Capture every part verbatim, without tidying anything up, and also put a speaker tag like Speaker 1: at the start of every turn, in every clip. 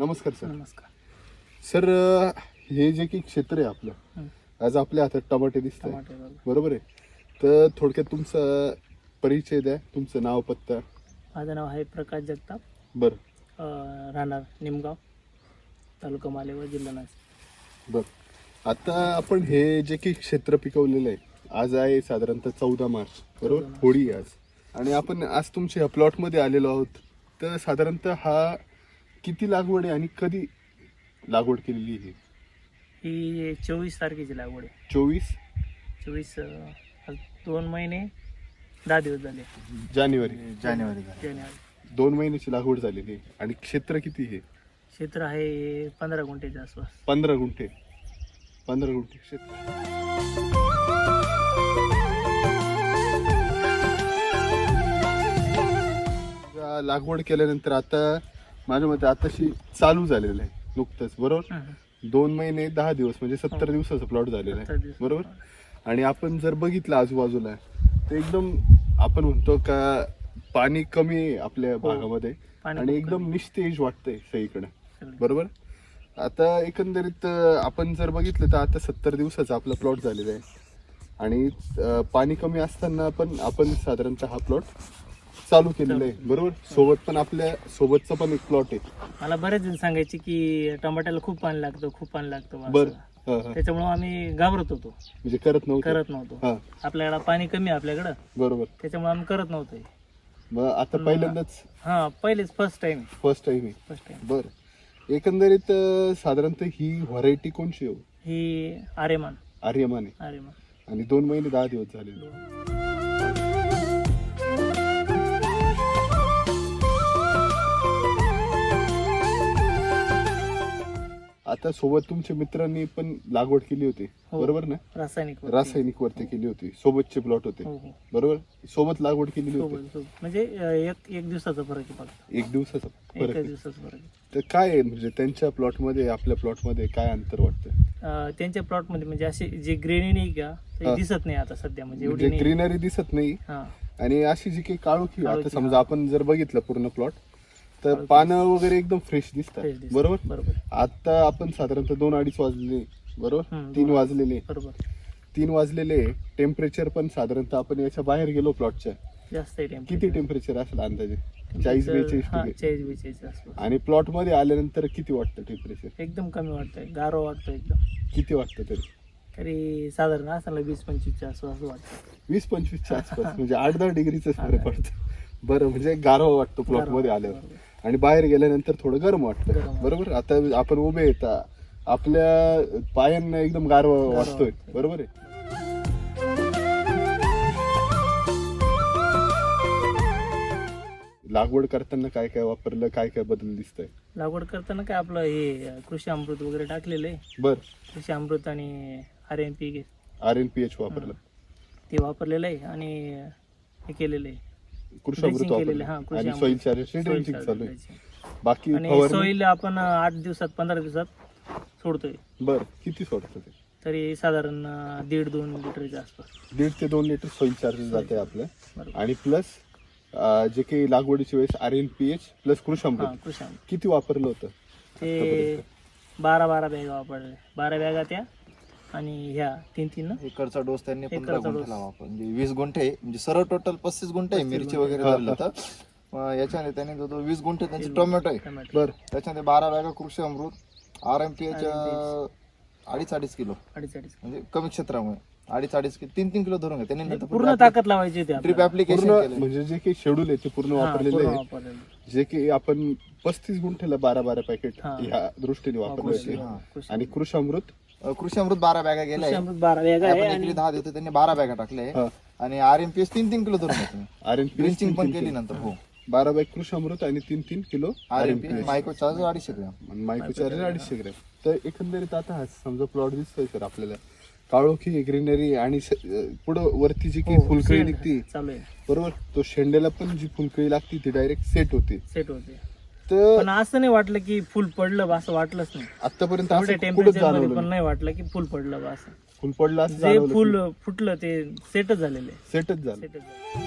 Speaker 1: नमस्कार सर.
Speaker 2: नमस्कार
Speaker 1: सर अ, हे जे की क्षेत्र आहे आपलं,
Speaker 2: हं.
Speaker 1: आज आपल्या हातात टमाटे दिसत आहे,
Speaker 2: टमाटे बरोबर.
Speaker 1: बरोबर आहे. तर थोडक्यात तुमचा परिचय द्या, तुमचं नाव पत्ता.
Speaker 2: माझं नाव आहे प्रकाश जगताप,
Speaker 1: बरं
Speaker 2: अं, राहणार निमगाव, तालुका मालेगाव, जिल्हा नाशिक.
Speaker 1: बरं आता आपण हे जे की क्षेत्र पिकवलेलं आहे, आज आहे साधारणतः चौदा मार्च, बरोबर,
Speaker 2: चौदा मार्च.
Speaker 1: होळी आहे आज. आणि आपण आज तुमच्या ह्या प्लॉटमध्ये आलेलो आहोत. तर साधारणतः हा किती लागवड आहे आणि कधी लागवड केलेली आहे?
Speaker 2: ही चोवीस तारखेची लागवड आहे.
Speaker 1: चोवीस
Speaker 2: चोवीस अं, आज दोन महिने दहा दिवस झाले.
Speaker 1: जानेवारी
Speaker 3: जानेवारी
Speaker 2: जानेवारी.
Speaker 1: दोन महिन्याची लागवड झालेली आहे. आणि क्षेत्र किती आहे?
Speaker 2: क्षेत्र आहे पंधरा गुंठेच्या आसपास.
Speaker 1: पंधरा गुंठे पंधरा गुंठे क्षेत्र. लागवड केल्यानंतर आता माझ्या मते आताशी चालू झालेलं आहे नुकतंच, बरोबर.
Speaker 2: हं, हं.
Speaker 1: दोन महिने दहा दिवस म्हणजे सत्तर दिवसाचा प्लॉट झालेला
Speaker 2: सत्तर
Speaker 1: आहे,
Speaker 2: दिवस.
Speaker 1: बरोबर. आणि आपण जर बघितलं आजूबाजूला तर एकदम आपण म्हणतो का पाणी कमी आहे आपल्या भागामध्ये
Speaker 2: पाणी
Speaker 1: आणि
Speaker 2: खूप
Speaker 1: एकदम निस्तेज वाटतंय सगळीकडे,
Speaker 2: कमी.
Speaker 1: बरोबर. आता एकंदरीत अं, आपण जर बघितलं तर आता सत्तर दिवसाचा आपला प्लॉट झालेला आहे आणि अं, पाणी कमी असताना पण आपण साधारणतः हा प्लॉट चालू केलेला आहे, बरोबर. सोबत पण आपल्या सोबतचा पण एक प्लॉट आहे.
Speaker 2: मला बरेच जण सांगायचे की टमाट्याला खूप पाणी लागतं, खूप पाणी लागतं बा
Speaker 1: बर
Speaker 2: असं.
Speaker 1: हा, हा.
Speaker 2: त्याच्यामुळे आम्ही घाबरत होतो,
Speaker 1: म्हणजे करत नव्हतं.
Speaker 2: करत नव्हतो.
Speaker 1: हा
Speaker 2: आपल्याकडं पाणी कमी आहे आपल्याकडं,
Speaker 1: बरोबर.
Speaker 2: त्याच्यामुळे आम्ही करत नव्हतो हे.
Speaker 1: मग आता पहिल्यांदाच
Speaker 2: हा पहिलेच फर्स्ट टाइम
Speaker 1: फर्स्ट टाइम आहे.
Speaker 2: First time.
Speaker 1: बरं एकंदरीत अं, साधारणतः ही व्हरायटी कोणची हो?
Speaker 2: ही आर्यमान
Speaker 1: आर्यमान आहे
Speaker 2: आर्यमान
Speaker 1: आणि दोन महिने दहा दिवस झाले. आता सोबत तुमच्या मित्रांनी पण लागवड केली होती,
Speaker 2: हो.
Speaker 1: बरोबर ना.
Speaker 2: रासायनिक वरती.
Speaker 1: रासायनिक वरती केली होती, सोबतचे प्लॉट होते,
Speaker 2: हो हो
Speaker 1: बरोबर. सोबत लागवड केलेली होती.
Speaker 2: सोबत सोबत म्हणजे अं, एक एक दिवसाचा फरक आहे फक्त.
Speaker 1: एक दिवसाचा फरक
Speaker 2: एका
Speaker 1: आहे.
Speaker 2: दिवसाचा फरक आहे.
Speaker 1: तर काय आहे म्हणजे त्यांच्या प्लॉट मध्ये आपल्या प्लॉट मध्ये काय अंतर वाटतं?
Speaker 2: अं, त्यांच्या प्लॉट मध्ये म्हणजे असे जे ग्रेनी नाही का ते
Speaker 1: हा.
Speaker 2: दिसत नाही आता सध्या, म्हणजे एवढी
Speaker 1: म्हणजे
Speaker 2: नाही.
Speaker 1: ग्रीनरी दिसत नाही
Speaker 2: हा
Speaker 1: आणि अशी जी काही काळोखी आता
Speaker 2: काळोखी,
Speaker 1: समजा
Speaker 2: हा.
Speaker 1: आपण जर बघितलं पूर्ण प्लॉट तर
Speaker 2: काळोखी
Speaker 1: पानं वगैरे एकदम फ्रेश दिसतात,
Speaker 2: फ्रेश दिसत.
Speaker 1: बरोबर.
Speaker 2: बरोबर
Speaker 1: आता आपण साधारणतः दोन अडीच वाजलेले, बरोबर,
Speaker 2: हम्म,
Speaker 1: तीन
Speaker 2: दोन.
Speaker 1: वाजलेले
Speaker 2: बरोबर.
Speaker 1: तीन वाजलेले टेम्परेचर पण साधारणतः आपण याच्या बाहेर गेलो प्लॉटच्या,
Speaker 2: जास्त आहे
Speaker 1: किती टेम्परेचर असेल अंदाजे? चाळीस बेचाळीस
Speaker 2: हा
Speaker 1: डिग्री.
Speaker 2: चाळीस बेचाळीस आसपास.
Speaker 1: आणि प्लॉट मध्ये आल्यानंतर किती वाटतं टेम्परेचर?
Speaker 2: एकदम कमी वाटतंय, गारवा वाटतो एकदम.
Speaker 1: किती वाटतं तरी?
Speaker 2: तरी साधारण असं वीस पंचवीसच्या आसपास असं वाटतं.
Speaker 1: वीस पंचवीसच्या आसपास म्हणजे आठ दहा डिग्रीचा
Speaker 2: हा,
Speaker 1: फरक
Speaker 2: हा.
Speaker 1: पडतो. बरं म्हणजे गारवा वाटतो प्लॉट
Speaker 2: गारवा
Speaker 1: मध्ये
Speaker 2: वाटतो,
Speaker 1: आल्यावर
Speaker 2: बरोबर.
Speaker 1: आणि बाहेर गेल्यानंतर थोडं गरम
Speaker 2: गरम
Speaker 1: वाटतं,
Speaker 2: वाटतं.
Speaker 1: बरोबर. आता आपण उभे येता आपल्या पायांना एकदम गारवा
Speaker 2: गारवा
Speaker 1: वाटतोय,
Speaker 2: वाटतोय.
Speaker 1: बरोबर आहे. लागवड करताना काय काय वापरलं, काय काय बदल दिसतंय?
Speaker 2: लागवड करताना काय आपलं हे कृषी अमृत वगैरे टाकलेलं आहे.
Speaker 1: बर
Speaker 2: कृषी अमृत आणि R N P
Speaker 1: R N P H वापरलं,
Speaker 2: ते वापरलेलं आहे आणि हे केलेलं आहे.
Speaker 1: कृषी
Speaker 2: Drenching
Speaker 1: अमृत
Speaker 2: केलेलं
Speaker 1: वापरलं
Speaker 2: आहे, हा, कृषी
Speaker 1: आणि
Speaker 2: अमृत.
Speaker 1: Soil charger
Speaker 2: Soil
Speaker 1: drenching
Speaker 2: charger
Speaker 1: चालू आहे.
Speaker 2: drenching.
Speaker 1: बाकी
Speaker 2: आणि
Speaker 1: फवारणी
Speaker 2: सॉईल आपण आठ दिवसात पंधरा दिवसात सोडतोय.
Speaker 1: बर किती सोडतं ते?
Speaker 2: तरी साधारण अं, दीड दोन लिटरच्या आसपास.
Speaker 1: दीड ते दोन लिटर सॉइल चार्जर जाते आपलं.
Speaker 2: बरोबर.
Speaker 1: आणि प्लस जे काही लागवडीच्या वेळेस R N P H plus कृषी
Speaker 2: हा
Speaker 1: अमृत
Speaker 2: कृषी अमृत
Speaker 1: किती वापरलं होतं
Speaker 2: ते
Speaker 1: आतापर्यंत?
Speaker 2: बारा बारा बॅगा वापरले. बारा बॅगा त्या आणि ह्या तीन तीन ना.
Speaker 3: एकरचा डोस त्यांनी
Speaker 2: एकरचा
Speaker 3: पंधरा
Speaker 2: डोस.
Speaker 3: गुंठे लावा म्हणजे वीस गुंठे आहे. म्हणजे सर्व टोटल पस्तीस गुंठे आहे
Speaker 2: पस्तीस
Speaker 3: मिरची
Speaker 2: गुंठे.
Speaker 3: वगैरे
Speaker 1: हा,
Speaker 3: धरलं तर मग याच्याने त्यांनी जो तो वीस गुंठे त्यांचे
Speaker 2: वीस
Speaker 3: टोमॅटो आहे.
Speaker 2: टोमॅटो
Speaker 1: बर
Speaker 3: त्याच्यामध्ये बारा बॅगा कृषी अमृत आर एम पी एच अडीच अडीच किलो
Speaker 2: अडीच अडीच
Speaker 3: म्हणजे कमी क्षेत्रामुळे अडीच अडीच किलो तीन तीन किलो धरून घ्या त्यांनी नंतर
Speaker 2: पूर्ण ताकद लावायची होती
Speaker 3: ड्रिप
Speaker 2: आपल्याला.
Speaker 3: ऍप्लिकेशन
Speaker 1: पूर्ण
Speaker 3: केलं
Speaker 1: म्हणजे जे काही शेड्यूल आहे ते पूर्ण
Speaker 2: हा,
Speaker 1: वापरलेलं
Speaker 2: पूर्ण
Speaker 1: आहे.
Speaker 2: वापरलेलं.
Speaker 1: जे की आपण पस्तीस गुंठेला बारा बारा पॅकेट
Speaker 2: हा.
Speaker 1: ह्या दृष्टीने वापरले
Speaker 2: कृषी
Speaker 1: होते.
Speaker 3: हा.
Speaker 2: कृषी
Speaker 1: आणि कृषी अमृत
Speaker 3: अं, कृषी अमृत बारा बॅगा गेल्या
Speaker 2: कृषी
Speaker 3: आहे.
Speaker 2: अमृत बारा बॅगा आहे
Speaker 3: आपण
Speaker 2: आणि
Speaker 3: एकरी दहा देतो त्यांनी बारा बॅगा टाकले
Speaker 1: हा.
Speaker 3: आणि आर एम पी एस तीन तीन किलो धरून घ्या
Speaker 1: आर एन पी
Speaker 3: ड्रिंचिंग पण केली नंतर हो
Speaker 1: बारा बॅग कृषी अमृत आणि तीन तीन किलो
Speaker 3: R
Speaker 1: R
Speaker 3: M
Speaker 1: N
Speaker 3: P
Speaker 1: P H
Speaker 3: micro charge अडीचशे ग्रॅम
Speaker 1: मायक्रो चार्जर अडीचशे ग्रॅम. तर एकंदरीत आता हा समजा प्लॉट दिसतोय सर आपल्याला काळोखी ग्रीनरी आणि स- पुढं वरती जी काही
Speaker 2: हो,
Speaker 1: फुलकळी
Speaker 2: शेंड
Speaker 1: निघती,
Speaker 2: चालू आहे,
Speaker 1: बरोबर, तो शेंड्याला पण जी फुलकळी लागती ती डायरेक्ट सेट होते.
Speaker 2: सेट होते.
Speaker 1: तर
Speaker 2: पण असं नाही वाटलं की फुल पडलं बा, असं वाटलंच नाही.
Speaker 1: आतापर्यंत
Speaker 2: एवढ्या
Speaker 1: असं कुठंच
Speaker 2: टेम्परेचर मध्ये
Speaker 1: जाणवलं
Speaker 2: पण
Speaker 1: नाही.
Speaker 2: नाही वाटलं की फुल पडलं बा असं.
Speaker 1: फुल पडलं असं
Speaker 2: जे
Speaker 1: जाणवलं
Speaker 2: फुल
Speaker 1: की
Speaker 2: फुटलं ते सेटच झालेलं आहे.
Speaker 1: सेटच झालं.
Speaker 2: सेटच झालं.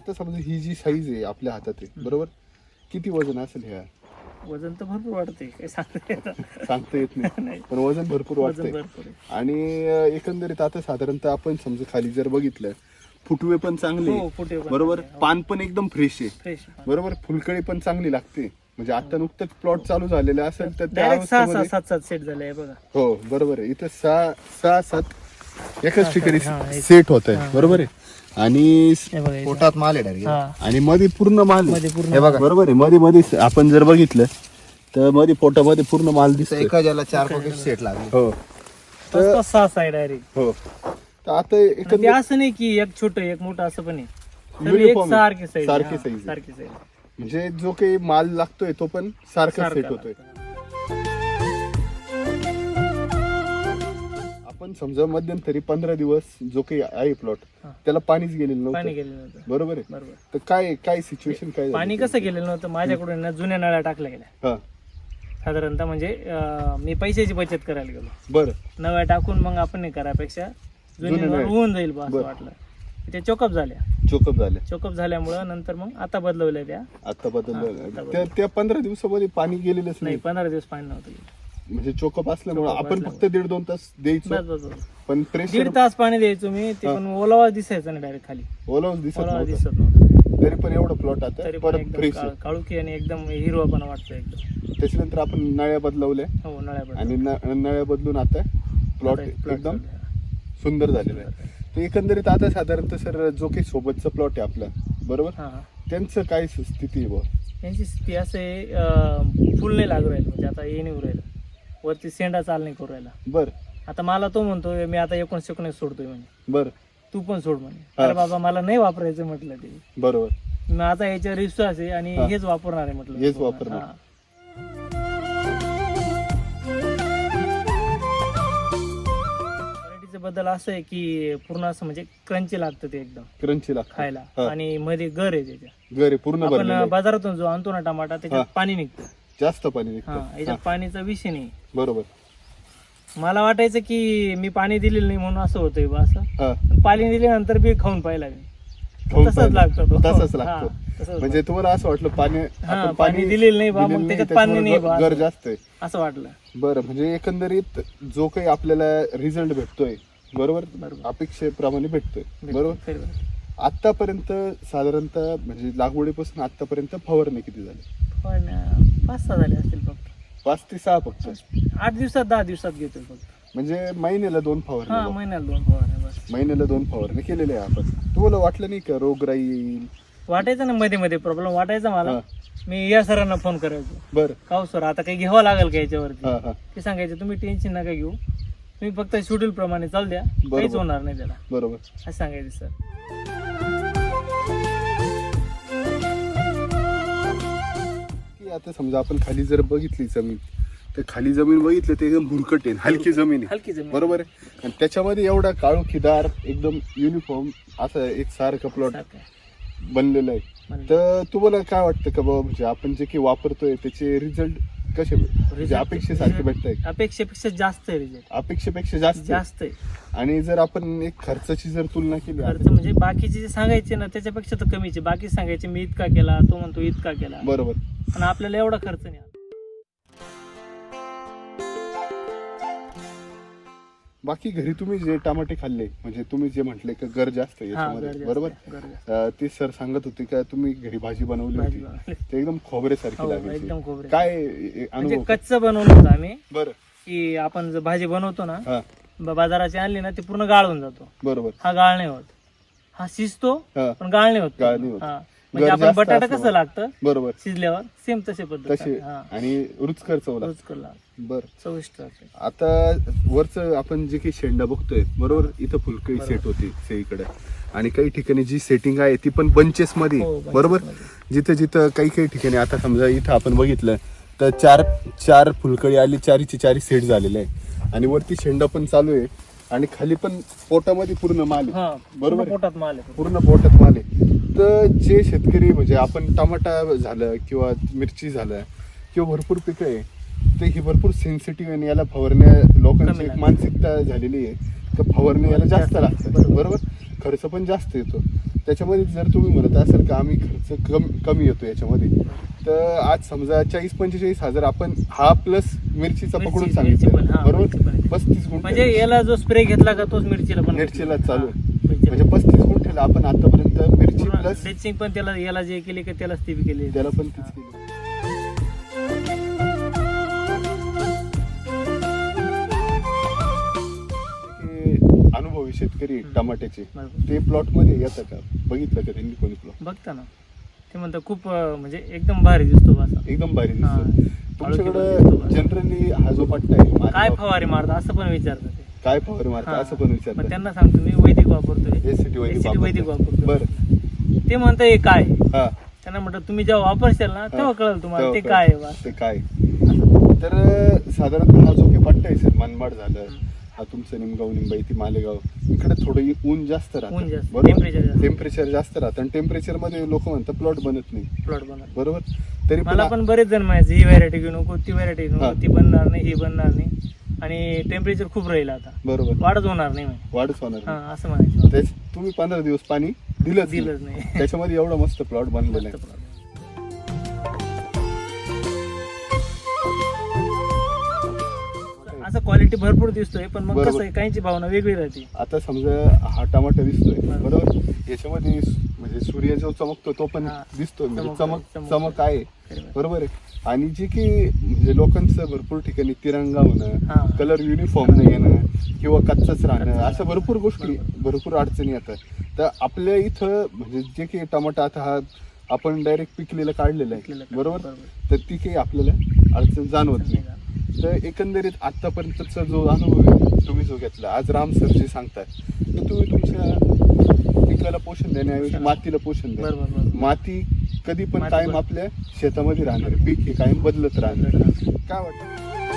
Speaker 1: आता समजा ही जी साईज आहे आपल्या हातात आहे बरोबर, किती वजन असेल ह्या?
Speaker 2: वजन तर भरपूर वाढते, काय सांगता येतं.
Speaker 1: सांगता येत नाही
Speaker 2: नाही.
Speaker 1: पण वजन भरपूर
Speaker 2: वजन
Speaker 1: वाटतंय.
Speaker 2: भरपूर आहे.
Speaker 1: आणि अं, एकंदरीत आता साधारणतः आपण समजा खाली जर बघितलं, फुटवे पण चांगले
Speaker 2: हो, फुटवे पण
Speaker 1: बरोबर,
Speaker 2: चांगले, हो.
Speaker 1: पान पण एकदम फ्रेश आहे
Speaker 2: फ्रेश
Speaker 1: बरोबर, फुलकळी पण चांगली लागते. म्हणजे आता नुकतंच प्लॉट चालू झालेला असेल तर त्या
Speaker 2: डायरेक्ट सहा सहा
Speaker 1: अवस्थेमध्ये
Speaker 2: सात सात सेट झाले आहे बघा.
Speaker 1: हो बरोबर आहे. इथं सहा सहा सात एकाच ठिकाणी
Speaker 2: हा, एक-
Speaker 1: सेट होत आहे बरोबर आहे. आणि
Speaker 2: हे बघा इथं.
Speaker 3: पोटात माल आहे डायरेक्ट.
Speaker 2: हा,
Speaker 1: आणि मध्ये पूर्ण माल आहे.
Speaker 2: मध्ये पूर्ण
Speaker 1: हे बघा बरोबर आहे. मध्ये मध्ये आपण जर बघितलं तर मध्ये पोटामध्ये पूर्ण माल दिसतोय.
Speaker 3: एका ज्याला चार पॉकेट सेट लागले.
Speaker 1: हो
Speaker 2: पाच पाच सहा साईड डायरेक्ट.
Speaker 1: हो तर आता
Speaker 2: ते
Speaker 1: एकंदरीत
Speaker 2: असं नाही की एक छोटं एक मोठं असं पण आहे. सगळे एक
Speaker 1: Uniform आहे.
Speaker 2: सारखे साईड
Speaker 1: सारखे size आहे.
Speaker 2: सारखे साईड
Speaker 1: म्हणजे जो काही माल लागतोय तो पण सारखा सेट होतोय. आपण समजा मध्यंतरी पंधरा दिवस जो काही आहे प्लॉट
Speaker 2: हा.
Speaker 1: त्याला पाणीच गेलेलं
Speaker 2: पाणी
Speaker 1: नव्हतं
Speaker 2: गेलेलं नव्हतं.
Speaker 1: बरोबर आहे.
Speaker 2: बरोबर.
Speaker 1: तर काय काय सिच्युएशन काय झाली?
Speaker 2: पाणी कसं गेलेलं नव्हतं माझ्याकडून ना जुन्या नळ्या टाकल्या गेल्या
Speaker 1: हा
Speaker 2: साधारणतः. म्हणजे अं, मी पैशाची बचत करायला गेलो.
Speaker 1: बरं
Speaker 2: नव्या टाकून मग आपण नाही करापेक्षा जुन्या
Speaker 1: जुन्या
Speaker 2: नळ
Speaker 1: नळ्या.
Speaker 2: होऊन जाईल बा असं
Speaker 1: बरं.
Speaker 2: वाटलं. ते चोकअप झाल्या.
Speaker 1: चोकअप झालं
Speaker 2: चोकअप झाल्यामुळं नंतर मग आता बदलवल्या त्या.
Speaker 1: आता
Speaker 2: हा,
Speaker 1: बदललं
Speaker 2: आता
Speaker 1: त्या त्या पंधरा दिवसामध्ये पाणी गेलेलंच
Speaker 2: नाही
Speaker 1: नाही.
Speaker 2: पंधरा दिवस पाणी नव्हतं गेलं.
Speaker 1: म्हणजे चोकअप असल्यामुळे
Speaker 2: चोकअप
Speaker 1: आपण फक्त दीड दोन तास द्यायचो
Speaker 2: बस बस बस.
Speaker 1: पण प्रेशर
Speaker 2: दीड तास पाणी द्यायचो मी ते
Speaker 1: हा.
Speaker 2: पण ओलावा दिसायचा नाही डायरेक्ट खाली.
Speaker 1: ओलावच दिसत
Speaker 2: ओलावा
Speaker 1: नव्हतं.
Speaker 2: दिसत नव्हता.
Speaker 1: तरी पण एवढं प्लॉट आता
Speaker 2: तरी पण
Speaker 1: परत
Speaker 2: एकदम
Speaker 1: फ्रेश
Speaker 2: काळ- काळुकी आणि एकदम हिरवापणा वाटतो एकदम.
Speaker 1: त्याच्यानंतर आपण नळ्या बदलवल्या
Speaker 2: हो नळ्या
Speaker 1: आणि न- नळ्या बदलून आता प्लॉट एकदम सुंदर झालेला आहे. तर एकंदरीत आता साधारणतः सर जो काही सोबतचा प्लॉट आहे आपला बरोबर,
Speaker 2: हा हा.
Speaker 1: त्यांचं काय स्थिती आहे बुवा?
Speaker 2: यांची स्थिती असं आहे अं, फुल नाही लागू राहिलं. म्हणजे आता हे नाही होऊ राहिलं वरती सेंडा चाल नाही करू राहिला.
Speaker 1: बर
Speaker 2: आता मला तो म्हणतोय मी आता एकोणीस एकोणीस सोडतोय म्हणे,
Speaker 1: बर
Speaker 2: तू पण सोड म्हणे.
Speaker 1: हा.
Speaker 2: अरे बाबा मला नाही वापरायचं म्हटलं ते.
Speaker 1: बरोबर
Speaker 2: मग आता याच्यावर विश्वास आहे आणि
Speaker 1: हा.
Speaker 2: हेच वापरणार आहे म्हटलं.
Speaker 1: हेच वापरणार.
Speaker 2: हा. व्हरायटीचं बद्दल असं आहे की पूर्ण असं म्हणजे क्रंची लागतं ते एकदम
Speaker 1: क्रंची लागतं
Speaker 2: खायला.
Speaker 1: हा.
Speaker 2: आणि मध्ये गर आहे त्याच्या.
Speaker 1: घरी पूर्ण
Speaker 2: आपण
Speaker 1: भरलेलं आहे.
Speaker 2: बाजारातून जो आणतो ना टमाटा त्याच्यात
Speaker 1: हा.
Speaker 2: पाणी निघतं.
Speaker 1: जास्त पाणी
Speaker 2: हा
Speaker 1: निघतं.
Speaker 2: याच्यात
Speaker 1: हा,
Speaker 2: पाणीचा विषय नाही.
Speaker 1: बरोबर
Speaker 2: मला वाटायचं की मी पाणी दिलेलं नाही म्हणून असं होतंय बा असं.
Speaker 1: हा
Speaker 2: पण पाणी दिल्यानंतर बी खाऊन पाहिला मी.
Speaker 1: खाऊन
Speaker 2: तसंच
Speaker 1: पाहिलं.
Speaker 2: लागतं तो.
Speaker 1: तसंच
Speaker 2: हा,
Speaker 1: लागतो.
Speaker 2: तसंच
Speaker 1: म्हणजे तुम्हाला असं वाटलं पाणी
Speaker 2: हा,
Speaker 1: आपण
Speaker 2: पाणी दिलेलं नाही बा, मग
Speaker 1: दिलेलं
Speaker 2: त्याच्यात
Speaker 1: नाही,
Speaker 2: पाणी नाही
Speaker 1: त्याच्यामुळे
Speaker 2: बा,
Speaker 1: गर
Speaker 2: असं.
Speaker 1: जास्त आहे.
Speaker 2: असं वाटलं.
Speaker 1: बरं म्हणजे एकंदरीत जो काही आपल्याला रिझल्ट भेटतोय बरोबर
Speaker 2: बरोबर.
Speaker 1: अपेक्षेप्रमाणे भेटतोय बरोबर.
Speaker 2: बरोबर.
Speaker 1: आतापर्यंत साधारणतः म्हणजे लागवडीपासून आतापर्यंत फवारणी किती झाली?
Speaker 2: पण अं, पाच सहा झाले असतील फक्त.
Speaker 1: पाच ते सहा फक्त.
Speaker 2: आठ दिवसात दहा दिवसात घेतोय फक्त.
Speaker 1: म्हणजे महिन्याला दोन
Speaker 2: हा
Speaker 1: फवारणी
Speaker 2: महिन्याला दोन फवारण्या बस.
Speaker 1: महिन्याला दोन फवारणी केलेले आहे आपण. तुम्हाला वाटलं नाही का रोगराई येईल?
Speaker 2: वाटायचं ना मध्ये मध्ये प्रॉब्लेम वाटायचा मला.
Speaker 1: हा.
Speaker 2: मी या सरांना फोन करायचो,
Speaker 1: बरं
Speaker 2: का हो सर आता काही घ्यावं लागेल का याच्यावरती.
Speaker 1: हा हा
Speaker 2: ते सांगायचे तुम्ही टेन्शन नका घेऊ, तुम्ही फक्त शेड्यूल प्रमाणे चाल द्या,
Speaker 1: बरोबर.
Speaker 2: काहीच होणार नाही त्याला,
Speaker 1: बरोबर.
Speaker 2: असं सांगायचे सर.
Speaker 1: की आता समजा आपण खाली जर बघितली जमीन तर खाली जमीन बघितलं ते एकदम भुरकट आहे, हलकी जमीन आहे
Speaker 2: हलकी जमीन.
Speaker 1: बरोबर आहे. आणि त्याच्यामध्ये एवढा काळोखीदार एकदम युनिफॉर्म असं एक सारखं प्लॉट
Speaker 2: सारखं आहे.
Speaker 1: बनलेलं आहे.
Speaker 2: म्हणजे
Speaker 1: तर तुम्हाला काय वाटतं का बाबा म्हणजे आपण जे काही वापरतोय त्याचे रिझल्ट कसे म्हणजे
Speaker 2: Result-
Speaker 1: अपेक्षेसारखे भेटताय?
Speaker 2: अपेक्षेपेक्षा जास्त आहे रिझल्ट.
Speaker 1: अपेक्षेपेक्षा जास्त आहे.
Speaker 2: जास्त आहे.
Speaker 1: आणि जर आपण एक खर्चाची जर तुलना केली
Speaker 2: खर्च म्हणजे बाकीचे जे सांगायचे ना त्याच्यापेक्षा तर कमीचे. बाकी सांगायचे मी इतका केला, तो म्हणतो इतका केला,
Speaker 1: बरोबर.
Speaker 2: पण आपल्याला एवढा खर्च नाही आला.
Speaker 1: बाकी घरी तुम्ही जे टमाटे खाल्ले म्हणजे तुम्ही जे म्हटले की गर जास्त आहे
Speaker 2: हा,
Speaker 1: याच्यामध्ये
Speaker 2: गरज
Speaker 1: बरोबर.
Speaker 2: असते, गरज असते.
Speaker 1: अं, ते सर सांगत होते का तुम्ही घरी भाजी बनवली
Speaker 2: भाजी
Speaker 1: होती
Speaker 2: बनवली.
Speaker 1: ते एकदम खोबऱ्यासारखी
Speaker 2: हो,
Speaker 1: लागायची.
Speaker 2: एकदम खोबरे.
Speaker 1: काय ए-
Speaker 2: म्हणजे
Speaker 1: अनुभव?
Speaker 2: कच्चं बनवलं होतं आम्ही,
Speaker 1: बरं
Speaker 2: की आपण जर भाजी बनवतो ना
Speaker 1: हा
Speaker 2: ब- बाजाराची आणली ना ती पूर्ण गाळून जातो.
Speaker 1: बरोबर.
Speaker 2: हा गाळ नाही होत, हा शिजतो
Speaker 1: हा
Speaker 2: पण गाळ नाही होत.
Speaker 1: गाळ नाही होत.
Speaker 2: हा. म्हणजे
Speaker 1: गर
Speaker 2: आपण
Speaker 1: जास्त
Speaker 2: बटाटा
Speaker 1: असल्यामुळे.
Speaker 2: कसं लागतं
Speaker 1: बरोबर
Speaker 2: शिजल्यावर सेम तसे पद्धत
Speaker 1: तसे
Speaker 2: हा.
Speaker 1: आणि रुचकर चवला.
Speaker 2: रोज कला
Speaker 1: बर.
Speaker 2: चविष्ट असते.
Speaker 1: आता वरच आपण जे काही शेंडा बघतोय बरोबर इथं फुलकळी
Speaker 2: बरोबर.
Speaker 1: सेट होती सगळीकडे आणि काही ठिकाणी जी सेटिंग आहे ती पण बंचेस मध्ये
Speaker 2: हो, bunches
Speaker 1: बरोबर.
Speaker 2: मध्ये.
Speaker 1: जिथं जिथं काही काही ठिकाणी आता समजा इथं आपण बघितलं तर चार चार फुलकळी आली, चारीची चारी सेट झालेले आहे आणि वरती शेंडा पण चालू आहे आणि खाली पण पोटामध्ये पूर्ण माल आहे.
Speaker 2: हा
Speaker 1: बरोबर
Speaker 2: बरोबर
Speaker 1: आहे.
Speaker 2: पोटात माल आहे.
Speaker 1: पूर्ण पोटात माल आहे. तर जे शेतकरी म्हणजे आपण टमाटा झालं किंवा मिरची झालं किंवा भरपूर पिकं आहे तर ही भरपूर सेन्सिटिव्ह आणि याला फवारण्या लोकांची
Speaker 2: कमी
Speaker 1: एक
Speaker 2: लागते.
Speaker 1: मानसिकता झालेली आहे तर फवारणी याला जास्त लागतं
Speaker 2: बरोबर.
Speaker 1: बरोबर. खर्च पण जास्त येतो. त्याच्यामध्ये जर तुम्ही म्हणत असाल का आम्ही खर्च कमी कमी येतो याच्यामध्ये, तर आज समजा चाळीस पंचेचाळीस हजार आपण हा प्लस मिरचीचा
Speaker 2: मिरची-
Speaker 1: पकडून
Speaker 2: मिरची
Speaker 1: सांगितलं
Speaker 2: पण, हा,
Speaker 1: बरोबर,
Speaker 2: मिरची पण आहे.
Speaker 1: पस्तीस
Speaker 2: म्हणजे
Speaker 1: गुंठे
Speaker 2: याला जो स्प्रे घेतला का तोच मिरचीला पण
Speaker 1: मिरचीला चालू आहे.
Speaker 2: हा, मिरचीला.
Speaker 1: म्हणजे पस्तीस गुंठेला आपण आतापर्यंत मिरची प्लस
Speaker 2: ड्रेसिंग पण त्याला याला जे केली का त्यालाच ती बी केली.
Speaker 1: त्याला पण तीच केली. ते अनुभवी शेतकरी आहेत टमाट्याचे,
Speaker 2: बरोबर.
Speaker 1: ते प्लॉट मध्ये येतं का, बघितलं का त्यांनी कोणी प्लॉट?
Speaker 2: बघता ना ते म्हणतात खूप अं, म्हणजे एकदम भारी दिसतो बा असा.
Speaker 1: एकदम भारी
Speaker 2: हा.
Speaker 1: दिसतो.
Speaker 2: दिसतो
Speaker 1: तुमच्याकडं
Speaker 2: बा.
Speaker 1: जनरली हा जो पट्टा आहे
Speaker 2: काय
Speaker 1: मालेगाव,
Speaker 2: फवारे मारतात असं पण विचारतात ते.
Speaker 1: काय फवारे मारता
Speaker 2: हा.
Speaker 1: असं पण
Speaker 2: मग
Speaker 1: विचारतात.
Speaker 2: त्यांना सांगतो मी वैदिक वापरतोय,
Speaker 1: एसीटी वैदिक
Speaker 2: एसीटी वैदिक
Speaker 1: वापरतात.
Speaker 2: वापरतोय.
Speaker 1: बरं,
Speaker 2: ते म्हणतं हे काय,
Speaker 1: हा
Speaker 2: त्यांना म्हटलं तुम्ही जेव्हा वापरशाल ना तेव्हा कळेल तुम्हाला ते
Speaker 1: तेव्हा
Speaker 2: काय आहे बा.
Speaker 1: ते काय. तर साधारणतः हा जो काही पट्टा आहे सर, मनमाड झालं, हा तुमचं निमगाव निंबाई ती मालेगाव, इकडे थोडं ऊन जास्त
Speaker 2: ऊन
Speaker 1: राहतं
Speaker 2: जास्त,
Speaker 1: बरोबर,
Speaker 2: टेम्परेचर जास्त.
Speaker 1: टेम्परेचर जास्त राहतं आणि टेम्परेचर मध्ये लोक म्हणतात प्लॉट बनत नाही
Speaker 2: प्लॉट बनत.
Speaker 1: बरोबर. तरी
Speaker 2: मला
Speaker 1: पण
Speaker 2: पण बरेच जण म्हणायचे ही व्हरायटी घेऊ नको, ती व्हरायटी घेऊ
Speaker 1: हा.
Speaker 2: नको, ती बनणार नाही, ही बनणार नाही आणि टेम्परेचर खूप राहील आता,
Speaker 1: बरोबर
Speaker 2: वाढच होणार नाही म्हणे.
Speaker 1: वाढच होणार
Speaker 2: हा
Speaker 1: नाही.
Speaker 2: असं म्हणायचं.
Speaker 1: तेच तुम्ही पंधरा दिवस पाणी दिलंच नाही.
Speaker 2: दिलंच नाही.
Speaker 1: त्याच्यामध्ये एवढा मस्त प्लॉट बनलेला
Speaker 2: मस्त
Speaker 1: आहे.
Speaker 2: plot. असं क्वालिटी भरपूर दिसतोय पण मग
Speaker 1: बरोबर.
Speaker 2: कसं आहे काहींची भावना वेगळी राहते.
Speaker 1: आता समजा हा टमाटा दिसतोय
Speaker 2: बरोबर.
Speaker 1: बरोबर, याच्यामध्ये म्हणजे सूर्य जो चमकतो तो पण
Speaker 2: हा.
Speaker 1: दिसतोय, म्हणजे
Speaker 2: चमकतोय,
Speaker 1: चमक
Speaker 2: चमकतोय.
Speaker 1: चमक आहे
Speaker 2: बरोबर.
Speaker 1: बरोबर आहे. आणि जे की म्हणजे लोकांचं भरपूर ठिकाणी तिरंगा
Speaker 2: हा.
Speaker 1: होणं, कलर युनिफॉर्म न येणं किंवा कच्चाच राहणं,
Speaker 2: कच्चाच
Speaker 1: अशा भरपूर गोष्टी भरपूर अडचणी येतात. तर आपल्या इथं म्हणजे जे काही टमाटा आता हा आपण डायरेक्ट पिकलेलं काढलेलं आहे
Speaker 2: पिकलेलं
Speaker 1: बरोबर,
Speaker 2: बरोबर.
Speaker 1: तर ती काही आपल्याला अडचण जाणवत नाही. तर एकंदरीत आतापर्यंतचा जो अनुभव आहे तुम्ही जो घेतला, आज राम सर जे सांगतात, तर तुम्ही तुमच्या पिकाला पोषण देण्याऐवजी मातीला पोषण द्या.
Speaker 2: बरोबर, बरोबर.
Speaker 1: माती कधी पण
Speaker 2: माती
Speaker 1: कायम
Speaker 2: बरोबर.
Speaker 1: आपल्या शेतामध्ये राहणार, पीक हे कायम बदलत राहणार. काय वाटतं?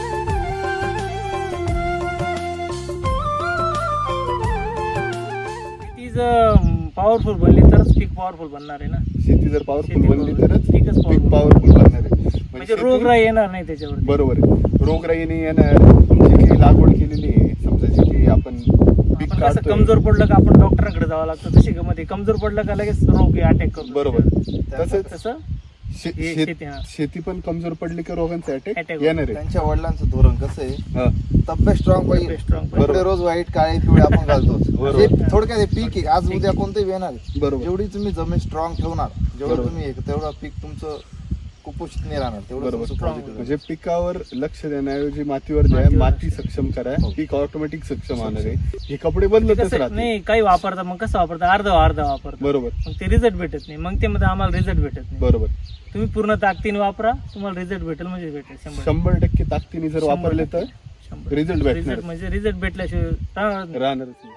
Speaker 2: ती जर पॉवरफुल बनली तरच पीक पॉवरफुल बनणार आहे ना.
Speaker 1: शेती जर पॉवरफुल
Speaker 2: शेती
Speaker 1: बनली
Speaker 2: powerful.
Speaker 1: तरच
Speaker 2: पीकच
Speaker 1: पीक
Speaker 2: powerful.
Speaker 1: पॉवरफुल बनणार आहे.
Speaker 2: म्हणजे
Speaker 1: शेती-
Speaker 2: रोगराई येणार नाही त्याच्यावर.
Speaker 1: बरोबर आहे, रोगराई नाही येणार. जी काही लागवड केलेली आहे, समजा जी काही आपण पीक
Speaker 2: आपण कसं
Speaker 1: काढतोय
Speaker 2: कमजोर पडलं का आपण डॉक्टरांकडे जावं लागतं, तशी मध्ये कमजोर पडलं का लगेच रोग अटॅक करतो.
Speaker 1: बरोबर.
Speaker 2: तसंच
Speaker 1: तसंच
Speaker 2: तसं
Speaker 1: शे-
Speaker 2: हे
Speaker 1: शेत-
Speaker 2: शेती, हा.
Speaker 1: शेती पण कमजोर पडली की रोगांचा अटॅक
Speaker 2: Attack
Speaker 1: येणार आहे.
Speaker 3: त्यांच्या वडिलांचं धोरण कसं आहे,
Speaker 1: हा.
Speaker 3: तब्येत स्ट्रॉंग पाहिजे,
Speaker 2: तब्येत strong पाहिजे.
Speaker 3: कपडे रोज वाईट काळे पिवळे आपण घालतो.
Speaker 1: बरोबर.
Speaker 3: हे थोडक्यात हे पीक आहे, आज उद्या कोणतंही येणार आहे.
Speaker 1: बरोबर.
Speaker 3: जेवढी तुम्ही जमीन स्ट्रॉंग ठेवणार, जेवढं
Speaker 1: बरोबर.
Speaker 3: तुम्ही हे- तेवढं पीक तुमचं कुपोषित नाही राहणार, तेवढं
Speaker 1: बरोबर.
Speaker 3: तुमचं
Speaker 2: Strong
Speaker 3: positive
Speaker 1: म्हणजे पिकावर लक्ष देण्याऐवजी मातीवर द्या,
Speaker 2: मातीवर
Speaker 1: माती
Speaker 2: लक्ष.
Speaker 1: सक्षम करा,
Speaker 3: हो.
Speaker 1: पीक ऑटोमॅटिक सक्षम होणार आहे. हे कपडे
Speaker 2: ते
Speaker 1: बदलतच
Speaker 2: कसं
Speaker 1: राहते.
Speaker 2: नाही काही वापरता मग कसं वापरता अर्धा अर्धा वापरता,
Speaker 1: बरोबर
Speaker 2: मग ते रिझल्ट भेटत नाही. मग ते मध्ये आम्हाला रिझल्ट भेटत नाही.
Speaker 1: बरोबर.
Speaker 2: तुम्ही पूर्ण ताकदीने वापरा, तुम्हाला रिझल्ट भेटेल म्हणजे भेटेल शंभर
Speaker 1: शंभर टक्के ताकदीने जर
Speaker 2: शंभर
Speaker 1: वापरले तर
Speaker 2: टक्के. शंभर.
Speaker 1: result भेटणार.
Speaker 2: Result म्हणजे रिझल्ट भेटल्याशिवाय राहणार नाही.
Speaker 1: राहणारच नाही.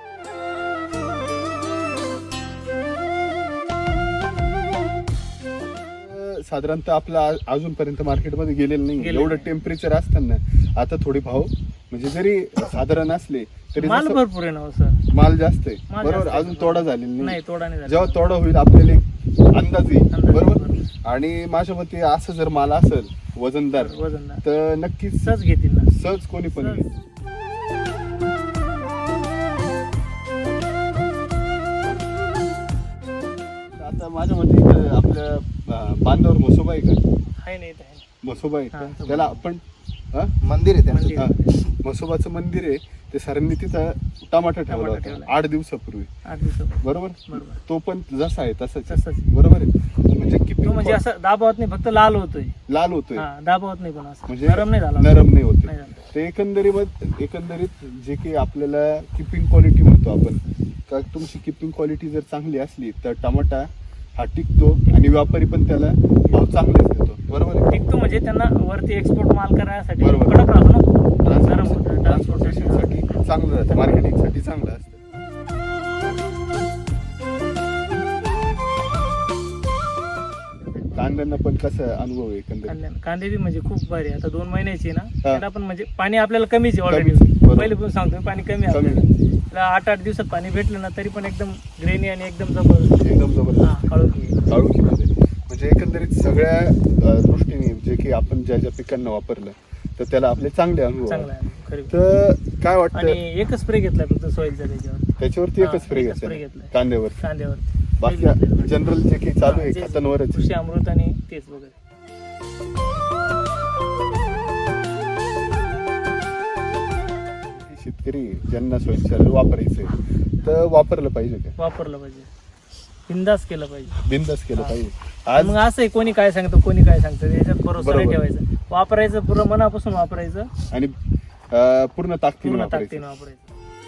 Speaker 1: अं, साधारणतः आपला आ- अजूनपर्यंत मार्केटमध्ये गेलेलं नाही.
Speaker 2: गेलेलं
Speaker 1: एवढं
Speaker 2: नाही.
Speaker 1: टेम्परेचर असताना आता थोडे भाव म्हणजे जरी साधारण असले तरी
Speaker 2: माल
Speaker 1: जसं
Speaker 2: भरपूर आहे ना हो सर.
Speaker 1: माल जास्त आहे
Speaker 2: माल
Speaker 1: बरोबर,
Speaker 2: जास्त आहे.
Speaker 1: अजून तोडा झालेला
Speaker 2: नाही
Speaker 1: नाही.
Speaker 2: तोडा नाही झाला.
Speaker 1: जेव्हा तोडा होईल आपल्याला एक अंदाज येईल
Speaker 2: अंदाज
Speaker 1: बरोबर.
Speaker 2: बरोबर.
Speaker 1: आणि माझ्या मते असं जर माल असेल वजनदार
Speaker 2: वजनदार
Speaker 1: तर नक्कीच
Speaker 2: सहज घेतील ना.
Speaker 1: सहज कोणी पण
Speaker 2: सहज.
Speaker 1: घेईल. आता माझ्या मते इथं आपल्या अं, बांधावर म्हसोबा आहे का,
Speaker 2: आहे नाही, आहे.
Speaker 1: म्हसोबा आहे
Speaker 2: हा,
Speaker 1: का?
Speaker 2: तो
Speaker 1: त्याला आपण हा?
Speaker 3: मंदिर आहे त्यांचं.
Speaker 2: मंदिर.
Speaker 1: हा. म्हसोबाचं मंदिर आहे, ते सरांनी तिथं टमाटा ठेवला
Speaker 2: टमाटा
Speaker 1: होता
Speaker 2: ठेवला.
Speaker 1: आठ दिवसापूर्वी
Speaker 2: आठ दिवसापूर्वी.
Speaker 1: बरोबर.
Speaker 2: बरोबर.
Speaker 1: तो पण जसा आहे तसाच
Speaker 2: तसाच
Speaker 1: आहे.
Speaker 2: आहे.
Speaker 1: बरोबर आहे. म्हणजे
Speaker 2: तो
Speaker 1: किती
Speaker 2: म्हणजे असं दाबावत नाही, फक्त लाल होतोय.
Speaker 1: लाल होतोय
Speaker 2: हा दाबावत नाही पण असं
Speaker 1: म्हणजे
Speaker 2: नरम नाही झाला.
Speaker 1: नरम नाही होते.
Speaker 2: नाही झाला.
Speaker 1: ते एकंदरीत एकंदरीत जे काही आपल्याला किपिंग क्वालिटी म्हणतो आपण, का तुमची किपिंग क्वालिटी जर चांगली असली तर टमाटा हा टिकतो आणि व्यापारी पण त्याला भाव चांगलेच देतो. बरोबर आहे.
Speaker 2: टिकतो म्हणजे त्यांना वरती एक्सपोर्ट माल करायसाठी
Speaker 1: बरोबर.
Speaker 2: कडक राहतो ना. नरम होतं.
Speaker 1: ट्रान्सपोर्टेशन ट्रान्सपोर्टेशनसाठी चांगलं राहतं, मार्केटिंगसाठी चांगलं असतं. कांद्यांना पण कसा अनुभव आहे एकंदरीत?
Speaker 2: कांदे कांदे बी म्हणजे खूप भारी आहे. आता दोन महिन्याची आहे ना,
Speaker 1: हा.
Speaker 2: त्याला पण म्हणजे पाणी आपल्याला कमीच आहे ऑलरेडी.
Speaker 1: कमीच, बरोबर.
Speaker 2: पहिले पण सांगतो पाणी कमी आहे
Speaker 1: कमी.
Speaker 2: आपल्याला. त्याला आठ आठ दिवसात पाणी भेटलं ना तरी पण एकदम ग्रेनी आणि एकदम जबरदस्त.
Speaker 1: एकदम
Speaker 2: हा,
Speaker 1: जबरदस्त
Speaker 2: काळोखी.
Speaker 1: काळोखीमध्ये. म्हणजे एकंदरीत सगळ्या अं, दृष्टीने जे की आपण ज्या ज्या पिकांना वापरलं तर त्याला आपले चांगले अनुभव
Speaker 2: चांगला
Speaker 1: आले.
Speaker 2: आहे खरी.
Speaker 1: तर काय
Speaker 2: आणि
Speaker 1: वाटतं
Speaker 2: एकच स्प्रे घेतलाय फक्त सॉइलचा त्याच्यावर.
Speaker 1: त्याच्यावरती
Speaker 2: हा,
Speaker 1: एकच स्प्रे
Speaker 2: एकच spray
Speaker 1: घेतला
Speaker 2: घेतलाय.
Speaker 1: कांद्यावर?
Speaker 2: कांद्यावर
Speaker 1: बाकी जनरल जे काही चालू आहे
Speaker 2: तेच.
Speaker 1: खतांवरच
Speaker 2: कृषी अमृत आणि तेच वगैरे.
Speaker 1: शेतकरी ज्यांना स्वच्छालय वापरायचंय तर वापरलं पाहिजे का
Speaker 2: वापरलं पाहिजे, बिंदास केलं पाहिजे.
Speaker 1: बिंदास केलं
Speaker 2: हा.
Speaker 1: पाहिजे. आज
Speaker 2: मग असं आहे, कोणी काय सांगतं कोणी काय सांगतं याच्यात भरोसा नाही
Speaker 1: बरोबर.
Speaker 2: ठेवायचं, वापरायचं पूर्ण मनापासून वापरायचं,
Speaker 1: आणि अं, पूर्ण ताकदीने
Speaker 2: पूर्ण
Speaker 1: वापरायचं.
Speaker 2: ताकदीने वापरायचं.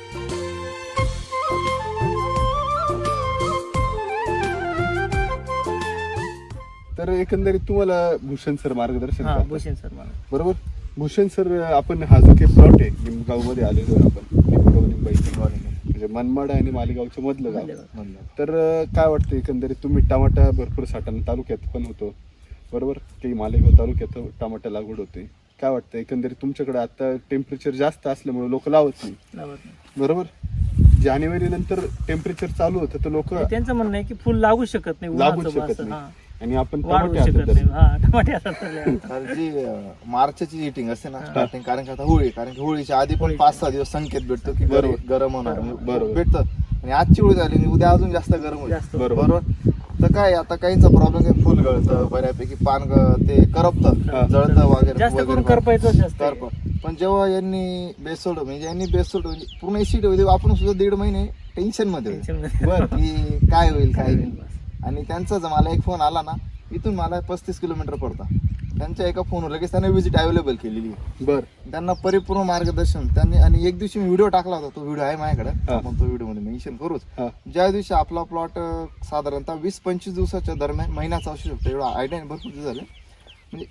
Speaker 1: तर एकंदरीत तुम्हाला भूषण सर मार्गदर्शन
Speaker 2: हा
Speaker 1: करतात.
Speaker 2: भूषण सर मला
Speaker 1: बरोबर. भूषण सर आपण हा जो काही प्लॉट आहे निमगाव मध्ये आलेलो आहे आपण, निमगाव निंबाई म्हणजे मनमाड आणि मालेगावच्या मधलं गाव.
Speaker 3: म्हणलं.
Speaker 1: तर अं, काय वाटतं एकंदरीत तुम्ही टमाटा भरपूर साठवण तालुक्यात पण होतो बरोबर, काही मालेगाव तालुक्यात टमाटा लागवड होते. काय वाटतं एकंदरीत तुमच्याकडे आता टेम्परेचर जास्त असल्यामुळे लोक लावत नाही
Speaker 2: लावत नाही.
Speaker 1: बरोबर. जानेवारी नंतर टेम्परेचर चालू होतं तर लोक
Speaker 2: त्यांचं म्हणणं आहे की फुल लागू शकत नाही,
Speaker 1: लागूच
Speaker 2: उन्हाचं
Speaker 1: शकत
Speaker 2: असं,
Speaker 1: नाही.
Speaker 2: हा.
Speaker 1: आणि आपण
Speaker 2: वाढवू
Speaker 1: टमाटे हातात
Speaker 2: शकत
Speaker 1: धरले.
Speaker 2: नाही. हा टमाटे हातात धरले.
Speaker 3: तर जी अं, मार्चची हिटिंग असते ना स्टार्टिंग, कारण की आता होळी, कारण की होळीच्या आधी पण
Speaker 2: होळीच्या.
Speaker 3: पाच सहा दिवस संकेत भेटतो की
Speaker 1: बरोबर.
Speaker 3: गरम गरम होणार,
Speaker 1: बरोबर.
Speaker 3: भेटतं. आणि आजची होळी झाली आणि उद्या अजून जास्त गरम होईल.
Speaker 2: जास्त
Speaker 1: बरोबर.
Speaker 3: बरोबर. तर काय आता काहींचा प्रॉब्लेम आहे, फुल गळतं बऱ्यापैकी, पान ग- ते करपतं, जळतं वगैरे
Speaker 2: जास्त करून
Speaker 3: वगैरे.
Speaker 2: करपायचं जास्त आहे.
Speaker 3: करप पण जेव्हा यांनी बेसोल्ड म्हणजे यांनी बेसोल्ड म्हणजे पूर्ण एसिड होते, आपण सुद्धा दीड महिने टेन्शन मध्ये होतो.
Speaker 2: टेन्शन मध्ये.
Speaker 1: बर
Speaker 3: की काय होईल काय होईल. आणि त्यांचा जर मला एक फोन आला ना, इथून मला पस्तीस किलोमीटर पडता, त्यांच्या एका फोनवर लगेच त्यांनी विजिट अवेलेबल केलेली आहे.
Speaker 1: बर
Speaker 3: त्यांना परिपूर्ण मार्गदर्शन त्यांनी. आणि एक दिवशी मी व्हिडिओ टाकला होता, तो व्हिडिओ आहे माझ्याकडे,
Speaker 1: हा.
Speaker 3: आपण तो व्हिडिओ मध्ये मेन्शन करूच.
Speaker 1: हा.
Speaker 3: ज्या दिवशी आपला प्लॉट साधारणतः वीस पंचवीस दिवसाच्या दरम्यान महिन्याचा असू शकतो, एवढा आयडिया भरपूर दिवस झाले. म्हणजे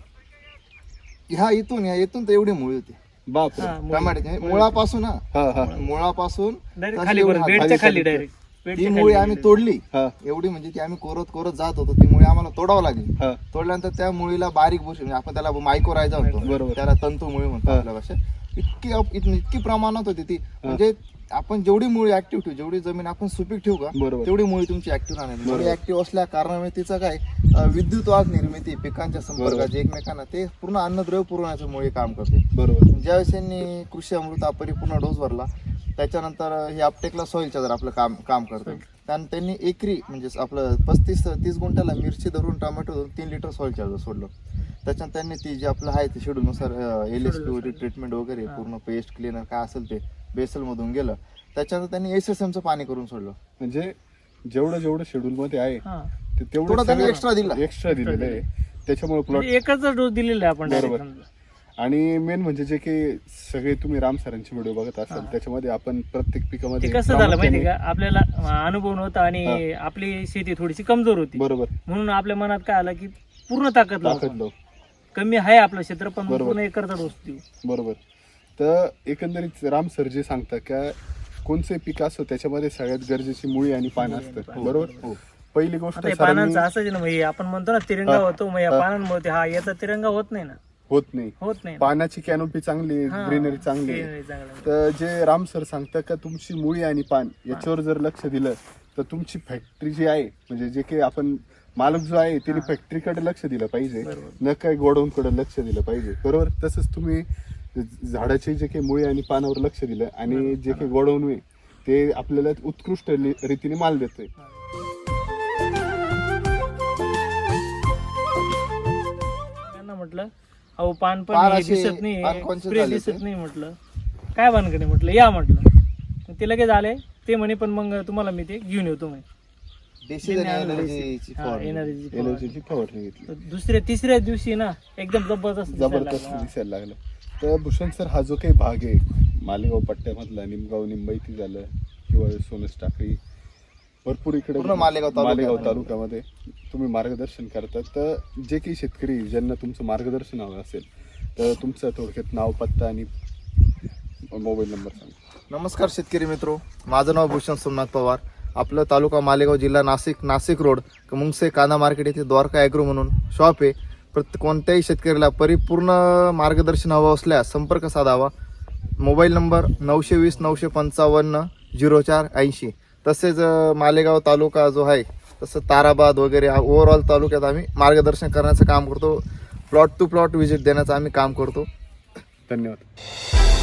Speaker 3: ह्या इथून ह्या इथून तर एवढी मुळी होती
Speaker 1: बाप
Speaker 2: हा, मुळी.
Speaker 3: टमाट्याची, मुळापासून हा
Speaker 1: हा हा
Speaker 3: मुळापासून
Speaker 2: डायरेक्ट
Speaker 3: तशी
Speaker 2: खाली
Speaker 3: एवढी
Speaker 2: बरं,
Speaker 3: हात-
Speaker 2: बेडच्या
Speaker 1: खाली
Speaker 2: खाली
Speaker 1: खाली.
Speaker 2: डायरेक्ट
Speaker 3: ती मुळी आम्ही तोडली,
Speaker 1: हा
Speaker 3: एवढी म्हणजे ती आम्ही कोरत कोरत जात होतो, ती मुळी आम्हाला तोडावं लागली.
Speaker 1: हा
Speaker 3: तोडल्यानंतर त्या मुळीला बारीक बुरशी, म्हणजे आपण त्याला मायकोरायझा म्हणतो,
Speaker 1: बरोबर.
Speaker 3: त्याला तंतू मुळी म्हणतो
Speaker 1: हा.
Speaker 3: आपल्या भाषेत. इतकी अप- इतकी इतकी प्रमाणात होती ती, म्हणजे आपण जेवढी मुळी ऍक्टिव्ह ठेवू, जेवढी जमीन आपण सुपीक ठेवू का
Speaker 1: बरोबर.
Speaker 3: तेवढी मुळी तुमची ऍक्टिव्ह राहणार.
Speaker 1: बरोबर.
Speaker 3: मुळी ऍक्टिव्ह असल्या कारणामुळे तिचं काय अं, विद्युत वाहक निर्मिती, पिकांच्या संपर्काची एकमेकांना, ते पूर्ण अन्नद्रव्य पुरवण्याचं मुळी काम करते.
Speaker 1: बरोबर.
Speaker 3: ज्यावेळेस यांनी कृषी अमृत हा परिपूर्ण डोस भरला, त्याच्यानंतर हे अपटेकला सॉइलच्या जर आपलं काम काम करतं, त्यानं त्यांनी एकरी म्हणजे आपलं पस्तीस तीस गुंठ्याला मिरची धरून टोमॅटो धरून तीन लिटर सॉइल चार्जर सोडलं. त्याच्यानंतर त्यांनी ती जे आपलं आहे ते शेड्यूलनुसार एल एस पी ट्रीटमेंट वगैरे पूर्ण पेस्ट क्लिनर काय असेल ते बेसल मधून गेलं. त्याच्यानंतर त्यांनी एस एस एमचं पाणी करून सोडलं.
Speaker 1: म्हणजे जेवढं जेवढं शेड्यूल मध्ये आहे
Speaker 2: हा.
Speaker 1: ते
Speaker 3: थोडं
Speaker 1: तेवढं
Speaker 3: त्यांनी एक्स्ट्रा दिला.
Speaker 1: एक्स्ट्रा दिलेलं आहे. त्याच्यामुळे प्लॉट
Speaker 2: म्हणजे एकच डोस दिलेला आहे आपण
Speaker 1: बरोबर.
Speaker 2: direct समजा.
Speaker 1: आणि मेन म्हणजे जे काही सगळे तुम्ही राम सरांचे व्हिडिओ बघत असाल
Speaker 2: हा.
Speaker 1: त्याच्यामध्ये आपण प्रत्येक
Speaker 2: ते
Speaker 1: पिकामध्ये
Speaker 2: कसं झालं माहिती
Speaker 1: प्रामुख्याने-
Speaker 2: का, आपल्याला अनुभव नव्हता आणि आपली शेती थोडीशी कमजोर होती,
Speaker 1: बरोबर
Speaker 2: म्हणून आपल्या मनात काय आलं की पूर्ण ताकद लावू
Speaker 1: ताकद
Speaker 2: आपण.
Speaker 1: लावू.
Speaker 2: कमी आहे आपलं क्षेत्र पण
Speaker 1: बरोबर.
Speaker 2: पूर्ण एकरचा डोस देऊ.
Speaker 1: बरोबर. तर एकंदरीत राम सर जे सांगतात का कोणचंही पीक असो त्याच्यामध्ये सगळ्यात गरजेची मुळी आणि पान असतं. बरोबर.
Speaker 2: हो.
Speaker 1: पहिली गोष्ट
Speaker 2: आता हे
Speaker 1: सरांनी
Speaker 2: पानांचं असं आहे ना, मग हे आपण म्हणतो ना तिरंगा
Speaker 1: हा.
Speaker 2: होतो, मग या
Speaker 1: हा.
Speaker 2: पानांमुळे ते- हा याचा तिरंगा होत नाही ना,
Speaker 1: होत नाही.
Speaker 2: होत नाही ना.
Speaker 1: पानाची कॅनोपी चांगली
Speaker 2: हा.
Speaker 1: ग्रीनरी चांगली आहे.
Speaker 2: greenery चांगलं आहे.
Speaker 1: तर जे राम सर सांगतात का तुमची मुळी आणि पान याच्यावर जर लक्ष दिलं तर तुमची फॅक्टरी जी आहे म्हणजे जे काही आपण मालक जो आहे त्याने फॅक्टरीकडे लक्ष दिलं पाहिजे,
Speaker 2: बरोबर.
Speaker 1: न काय गोडाऊनकडे लक्ष दिलं पाहिजे. बरोबर. तसंच तुम्ही झाडाचे जे काही मुळी आणि पानावर लक्ष दिलं आणि जे काही गोडाऊन आहे ते आपल्याला उत्कृष्ट रि- रीतीने माल देतोय.
Speaker 2: त्यांना म्हटलं अहो पान पण
Speaker 3: पान
Speaker 2: हे
Speaker 3: असे
Speaker 2: दिसत नाही,
Speaker 3: unconscious
Speaker 2: स्प्रे
Speaker 3: झाले
Speaker 2: दिसत
Speaker 3: ते.
Speaker 2: नाही. म्हटलं काय भानगड आहे, म्हटलं या म्हटलं. मग ते लगेच आले, ते म्हणे पण मग तुम्हाला मी ते घेऊन येतो म्हणे.
Speaker 3: Decision
Speaker 2: त्यांनी आणलं
Speaker 3: energy ची
Speaker 2: हा,
Speaker 3: फवारणी.
Speaker 2: energy ची फवारणी.
Speaker 1: एलर्जीची फवारणी घेतली.
Speaker 2: तर दुसऱ्या तिसऱ्या दिवशी ना एकदम जबरदस्त दिसायला
Speaker 1: जबरदस्त
Speaker 2: लागला.
Speaker 1: दिसायला लागलं. तर भूषण सर हा जो काही भाग आहे मालेगाव पट्ट्यामधला निमगाव निंबाईती झालं किंवा सोनस टाकळी भरपूर इकडे
Speaker 3: पूर्ण मालेगाव तालुक्यामध्ये.
Speaker 1: मालेगाव तालुक्यामध्ये तुम्ही मार्गदर्शन करतात. तर जे काही शेतकरी ज्यांना तुमचं मार्गदर्शन हवं असेल तर तुमचं थोडक्यात नाव पत्ता आणि मोबाईल नंबर सांगा.
Speaker 3: नमस्कार शेतकरी मित्रो, माझं नाव भूषण सोमनाथ पवार. आपलं तालुका मालेगाव, जिल्हा नाशिक, नाशिक रोड मुंगसे कांदा मार्केट येथे द्वारका ॲग्रो म्हणून शॉप आहे. प्रत्येक कोणत्याही शेतकऱ्याला परिपूर्ण मार्गदर्शन हवं असल्यास संपर्क साधावा. मोबाईल नंबर नऊशे वीस नऊशे पंचावन्न झिरो चार ऐंशी. तसेच अं, मालेगाव तालुका जो आहे तसं ताराबाद वगैरे ओव्हरऑल तालुक्यात आम्ही मार्गदर्शन करण्याचं काम करतो. प्लॉट टू प्लॉट व्हिजिट देण्याचं आम्ही काम करतो.
Speaker 1: धन्यवाद.